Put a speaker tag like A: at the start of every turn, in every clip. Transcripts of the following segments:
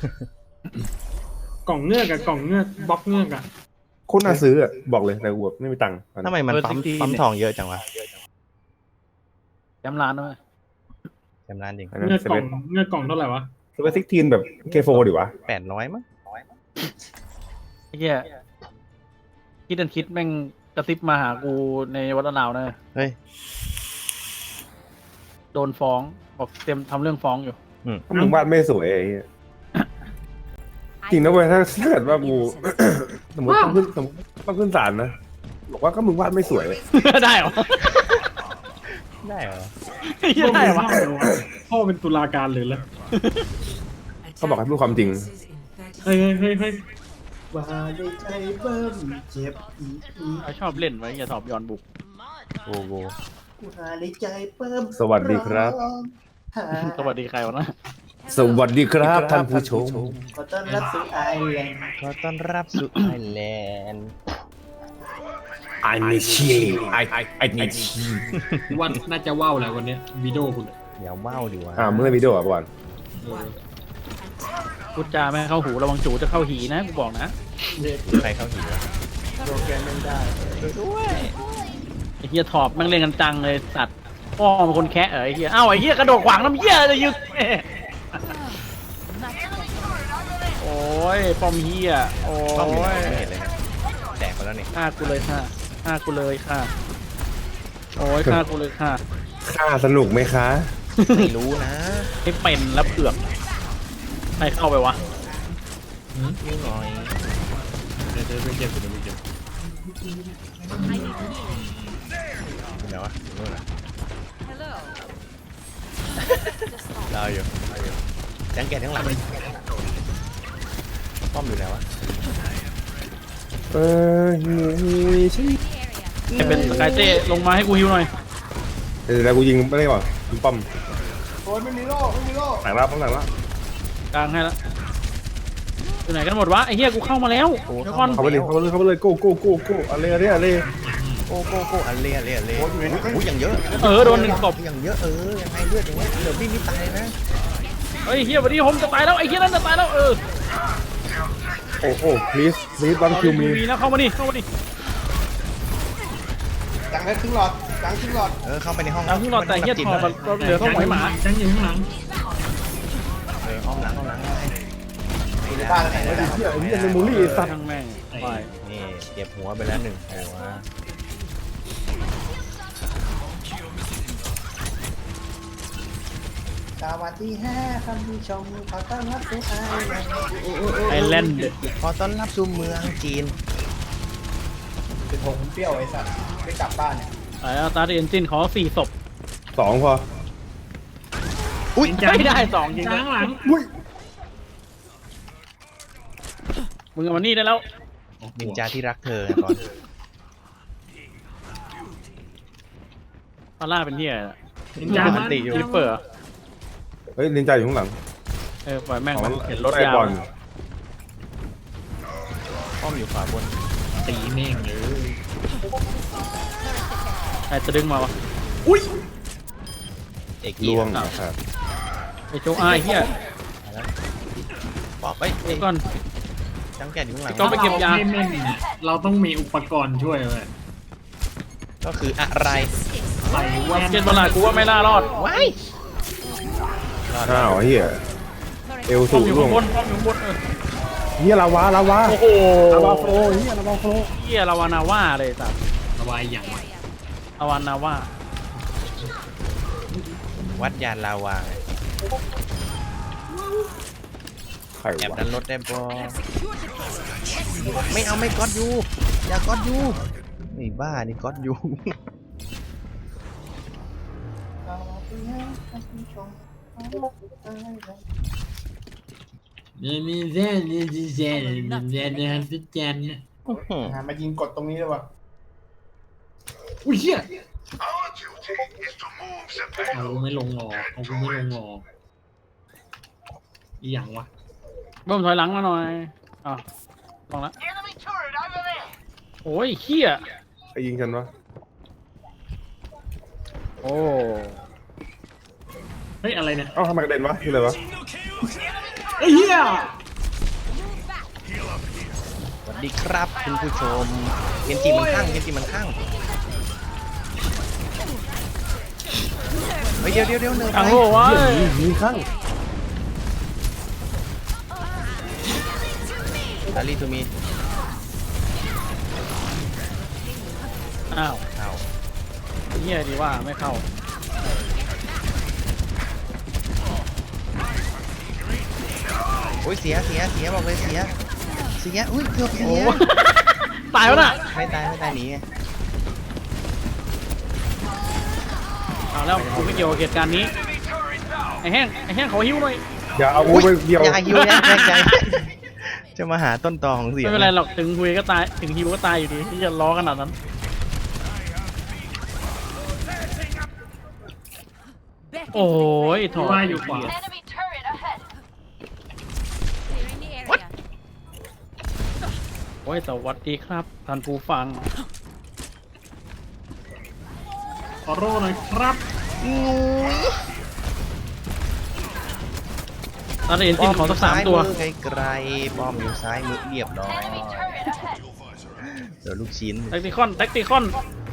A: กล่องเงือกอะกล่องเงือกบล็อกเงือกอะ
B: โคตรน่าซื้ออ่ะบอกเลยแต่กูแบบไม่มีตังค์
C: ทำไมมันปั๊มทองเยอะจังวะ
D: จำร้านด้วย
C: จำร้านจริง
B: อันนั้น
A: เงือก
B: เซ
A: กล่
B: เว่
A: องเงือกกล่องเท่าไหร่วะ
B: เซเว่นซิกทีนแบบเคโฟดิวะ
C: 800มั้ง
D: ไอ้เหี้ยคิดแม่งกระซิบมาหากูในวัดนาวนะ
C: เฮ้ย
D: โดนฟ้องบอกเตรียมทำเรื่องฟ้องอยู่
B: ถ้ามึงวาดไม่สวยไอ้เหี้ยจริงนะเว้ยถ้าเกิดว่ากู สมมติต้องขึ้นศาลนะบอกว่าก็มึงวาดไม่สวย
D: ได้เหรอ
C: ได้เหรอ
D: ได้เหรอวะ
A: พ่อเป็นตุลาการเลยแล้ว
B: เขาบอกให้พูดความจริง
A: เฮ้ยว่าได้ใจเบิ่มเจ็บ
D: ชอบเล่นไว้อย่าสอบย้อนบุก
C: โอ้โห
A: ว่าได้ใจเบิ่ม
B: สวัสดีครับ
D: สวัสดีใครวะนะ
B: สวัสดีครับท่านผู้ชม
A: ขอต้อนรับสู่ไอแลนด์
C: ขอต้อนรับสู่ไอแลนด์
B: I need you I need you
A: ว่าน่าจะว่าวแหละวันนี้วิดีโอคุณ
C: อย่าว้าวดิวะ
B: มึงเล่นวิดีโออ่ะก่อน
D: พูดจาไม่ให้เข้าหูระวังจูจะเข้าหีนะกูบอกนะ
C: ใครเข้าหิวะ
D: ไอ้เหี้ยถอบแม่งเล่นกันจังเลยสัตว์พ่อเป็นคนแคะไอ้เหี้ยเอ้าไอ้เหี้ยกระโดดขวางน้ำเหี้ยจะยึกโอ้ยปอมเหี้ยโอ้
C: ป้อมอยู่ไหน
D: ย
C: ไม่เห็นเลยนะแตกไปแล้วนี่
D: ฆ่ากูเลยค่ะฆ่ากูเลยค่ะโอ้ยฆ่ากูเลยค่ะ
B: ค่าสนุกไหมคะ
C: ไม่รู้นะ
D: ไม่เป็นแล้วเผือกใครเข้าไปวะ
C: นิดหน่อย
A: เดี๋ยวไปเก็บเดี๋ยวไปเก็บ
C: เดี๋ยววะนู่นน่ะรออยู่ยังแกะทั้งหลังป้อมอยู่ไหนวะ
B: ใช่
D: ให้เป็นสกายเต้ลงมาให้กูฮิวหน่อย
B: เดี๋ยวกูยิงไม่ได้ก่อนยิงป้อม
A: โอ้ยไม่มีโล่ไม่มีโล่
B: หลังรับหลังรับ
D: กลางให้แล้วอยู่ไหนกันหมดวะไอ้เหี้ยกูเข้ามาแล้วเดี๋ยวก่อน
B: เข้าไปเลยโก้อะไร
C: โก้อันเล่โอ้ยอย่างเยอะ
D: โดนหนึ่งตบ
C: อย่างเยอะยังไงเลือดอย่างเงี้ยเดี๋ยวพี่นี่ตายนะ
D: เฮ้ยเหี้ยวันนี้ผมจะตายแล้วไอ้เหี้ยนั่นจะตายแล้ว
B: โอ้ please don't kill me
D: มีนะเข้ามาดิ
A: จังได้ครึ่งหลอดจังครึ่งหลอด
C: เข้าไปในห้อง
D: เอาขึ้นรอแต่เหี้ยถอดเราเหลือต้องหอยหมา
A: จังอยู่ข้างหลัง
C: ห้องหลัง
A: ในบ้านไหน
B: ไอ้เหี้ยเมมโมรี่สัตว์
D: ทั้งแม่งไป
C: นี่เก็บหัวไปแล้ว1หัว
A: สวัสดี5ท่านผู้ชมขอต้อนรับสู่ไอแลนด์
D: ไอแลนด์
C: ขอต้อนรับสู่เมืองจีน
A: เป็นผงเปรี้ยวไอ้สัตว์ไม่กลับบ้านเนี่ย
D: ไออัลตาเอนจินขอ4ศพ
B: 2พอ
D: อุ้ยไม่ได้2จริง
A: จังหลัง
D: มึงเอามานี่ได้แล้ว
C: นินจาที่รักเธอก่อน
D: พาร่าเป็นเหี้ย
A: จัง
C: มันติอยู่
D: ริปเปอร์
B: เฮ้ยนินจาอยู่ข้างหลัง
D: ปล่อยแม่งเห็นรถ
B: ไล่
D: ยาว
B: บอล
C: ป้อมอยู่ขวาบน
A: ตีแม่งเลย
D: ใครจะดึงมาวะ
C: เอก
B: ล่วงนะครับ
D: ไอโจอ้ายเหี้ย
C: บอกไป
D: เดี๋ยวก่อน
C: จังแกะอยู่ข้างหลัง
D: ก็ไปเก็บยา
A: ไม่แม่งเนี่ยเราต้องมีอุปกรณ์ช่วยเลย
C: ก็คืออะไร
A: ใส่แว่น
D: เกณฑ์บอลลากูว่าไม่น่ารอด
C: ว้ายรอด
B: อ้าวเฮียเอล
D: ป้อ
B: สู
D: ม
B: ง
D: อยู่
B: ล่ว
D: ข้าง งบนป้อมอยู่ข้างบน
B: เฮียลาวา
D: โอ้โห
B: ลาวาโฟเฮียลาวาโฟ
D: เหี้ยลาวานาว่าเลยสัตว์
A: ระบายอย่าง
D: ลาวานาว่า
C: วัดยานลาวา
B: ใคร
C: แอบ
B: วะ
C: ดันรถได้ปะไม่เอาไม่ก๊อตยูอย่าก๊อตยูนี่บ้านี่ก๊อตยู
A: นี่แซ่นี่แซ่นี่ฮันแจนเนี่ยมายิงกดตรงนี้เลยวะอุ้ยเหี้ยเอาไม่ลงหรอเอากูไม่ลงหรออีหยังวะ
D: บ้มถอยหลังมาหน่อยลองละโอ้ยเหี้ย
B: ใครยิงฉันวะ
D: โอ้
A: เฮ้ยอะไรเนี่ย
B: เอ้าทำไมกระเด็นวะคืออะไรวะ
A: ไอ้เหี้ย
C: สวัสดีครับคุณผู้ชมเกนจิมันข้างเกนจิมันข้างเฮ้ยเดี๋ยวเนิร์ฟ
D: อัง
C: ไป
D: โลวะ
B: มีข้าง
C: ลาลีทูมี
D: อ้าว
C: อ้าว
D: เฮียดีว่าไม่เข้า
C: โอ้ยเสียบอกเลยเสียอุ้ยเกือบเสี
D: โอ้
C: ย
D: ตายแล้วน่ะ
C: ไม่ตายหนีไง
D: เอาแล้วกูไม่เกี่ยวกับเหตุการณ์นี้ไอ้แห้งขอหิ้วหน่อย
B: อย่าเอากูไปเกี่ยว
C: อย่าฮิวแรงใจ จะมาหาต้นตอของเสียง
D: ไม่เป็นไรหรอกถึงคุยก็ตายถึงฮิวก็ตายอยู่ดีที่จะล้อขนาดนั้นโอ้ยถอด
A: ว่าอยู่ขวา
E: Enemy turret ahead.
D: โอ้ยสวัสดีครับท่านผู้ฟัง
A: ขอโร่หน่อยครับ
D: ตอนนี้เอ็นจินขอสัก3 ตัว
C: ไกลๆป้อมอยู่ซ้ายมือเรียบร้อย
E: Enemy turret ahead.
C: เดี๋ยวลูกชิ้น
D: แท็กติคอน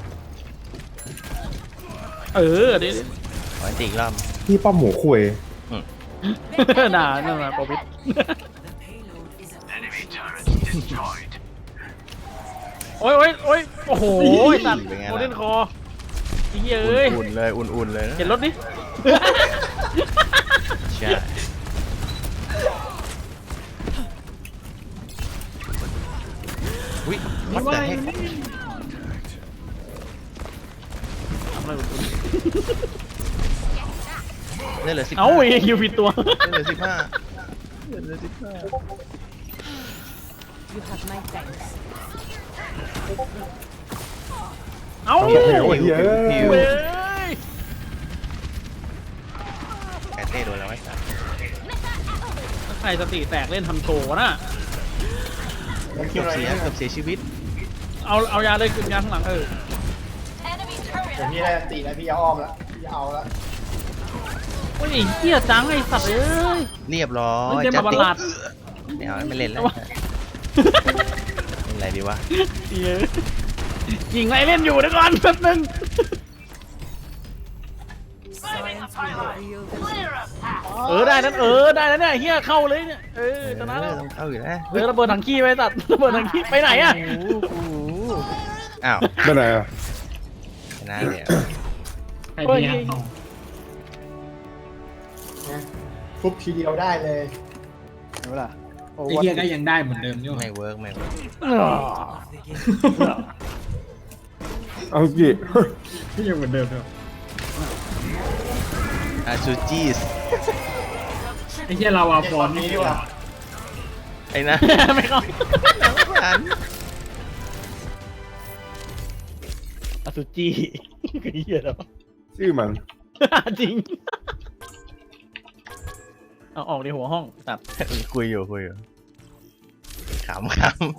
D: เออเดี๋ยว
C: ขอให้ตีอีกรอบ
B: พี่ป้อมหมูคุย
D: ด่านั่นนะปอบิดโอ้ยโอ้โหตัดโมเดนคอเฮ้ยเอ้ย
C: อุ่นๆเลยอุ่นๆเลยนะ
D: เห็นรถดิ
C: ใช่อุ้ยวัดแต่ให้
D: ทำอะไรกับคุณ
C: เหลือ15
D: เอ้าไอ้คิวผิดตัว
C: เหลือ15เหลือ15
E: You have my thanks.
D: เอ้า
B: โอ้โหเหี้ย
C: ผิว
D: เว้ย
C: แกเต้โดนแล้วไอ้สัส
D: ถ้าใครสติแตกเล่นทำโชว์นะ
C: เกือบเสียชีวิต
D: เอายาเลยขึ้นยาข้างหลัง
E: Enemy turret
A: เดี๋ยวพี่
E: ahead.
A: ได้ตีแล้วพี่จะอ้อมแล้วพี่จะเอาแล้ว
D: โอ้ยไอ้เหี้ยจังไอ้สัตว์เอ้ย
C: เรียบร้อย
D: มันจะมาบัลลัด
C: ไม่เอาไม่เล่นแล้วเล่นอะไรดีวะ
D: เหี้ยยิงไงเล่นอยู่เดี๋ยวก่อนแป๊บนึง ได้นั้นได้แล้วเนี่ยเฮียเข้าเลยเนี่ยชนะแล้ว
C: ต้องเข้าอยู่แล้ว
D: ระเบิดถังขี้ไปตัดระเบิดถังขี้ไปไหนอะ
C: อ้าว
B: ไปไหนอ่ะ
C: ชนะเลย
A: ใครเนี่ยทุบทีเดียวได้เลย
D: เห็นปะล่ะ
A: ไอ้เหี้ยก็ยังได้เหมือนเดิมอยู่
C: ไม่เวิร์ก
B: เอาจิ
A: พี่ยังเหมือนเดิมอยู่
C: อาซูจิส
A: ไอ้เหี้ยเราอะฟอนนี้ดีกว่า
C: ไอ้นะ
D: ไม่เข้า
C: อัน
D: อสุจิคือเฮียแล้ว
B: ชื่อมัน
D: จริงเอาออกในหัวห้องตัด
C: คุยอยู่ขำ